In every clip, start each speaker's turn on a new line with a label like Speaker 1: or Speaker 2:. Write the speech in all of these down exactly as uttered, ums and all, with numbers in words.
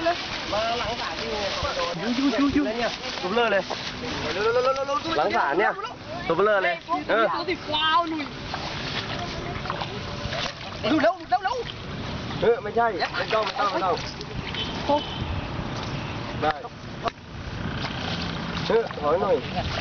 Speaker 1: เลยมาหลังศาลนี่ยูยูยูยูเนี่ยตัวเบลอเลยหลังศาลเนี่ยตัวเบลอเลยเออติดฟาวหนุ่ยดูเร็วเร็วเร็วเออไม่ใช่ไม่ต้องไม่ต้องไม่ต้องได้เออถอยหน่อย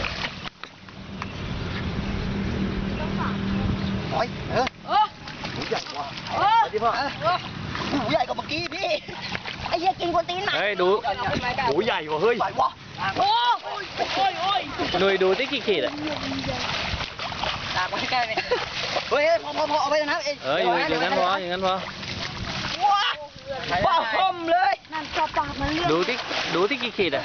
Speaker 1: ถอยเออเออหูใหญ่กว่าเออที่พ่อหูใหญ่กว่าเมื่อกี้พี่ไอ้เหี้ยกินคนตีนมาเฮ้ยดูหูใหญ่กว่าเฮ้ยใหญ่กว่าโอ้ยโอ้ยโอ้ยหน่วยดูที่กี่ขีดอะตากไว้ใกล้เลยเฮ้ยพอพอพอเอาไปนะเองเอออย่างนั้นพออย่างนั้นพอว้าว้าคมเลยนั่นกระปากมันเลือดดูที่ดูที่กี่ขีดอะ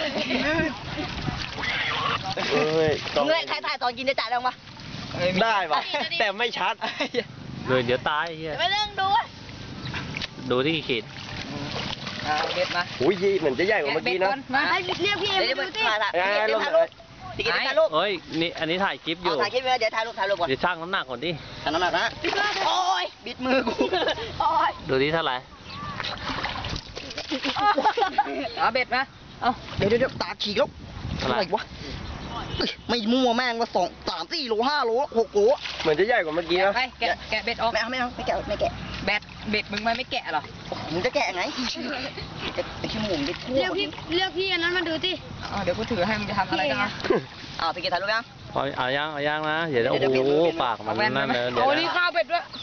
Speaker 1: เฮ้ยมึงเล่นถ่ายถ่ายตอนกินจะจ่ายได้ไหมได้ปะแต่ไม่ชัดเลยเดี๋ยวตายเฮียไม่เรื่องดูดูที่กี่ขีดเบ็ดมาอุ้ยเหมือนจะใหญ่กว่าเมื่อกี้นะมาให้เรียกพี่เอ็มดูสิถ่ายถ่ายรูปถ่ายรูปเฮ้ยนี่อันนี้ถ่ายคลิปอยู่ถ่ายคลิปเดี๋ยวถ่ายรูปถ่ายรูปก่อนเดี๋ยวช่างน้ำหนักก่อนดิช่างน้ำหนักนะโอ้ยบิดมือกูโอ้ยดูดิเท่าไหร่เอาเบ็ดมาเอาเดี๋ยวเดี๋ยวตาฉีกแล้วอะไรวะไม่มั่วแม่งมาสองสามสี่โลห้าโลหกโลเหมือนจะใหญ่กว่าเมื่อกี้นะไปแกะแกะเบ็ดออกไม่เอาไม่เอาไม่แกะไม่แกะเบ็ดเบ็ดมึงไม่แกะหรอมึงจะแกะไงไอ้ขี้หมูดิเรียกพี่เรียกพี่อันนั้นมาดูสิอ๋อเดี๋ยวกูถือให้มึงจะทำอะไรกันนะอ้าวไปกินถ่ายรูปยังเอาเอาย่างเอาย่างนะเดี๋ยวโอ้โหปากมันนั่นเลยเดี๋ยวเอานี่ข้าวเบ็ดด้วย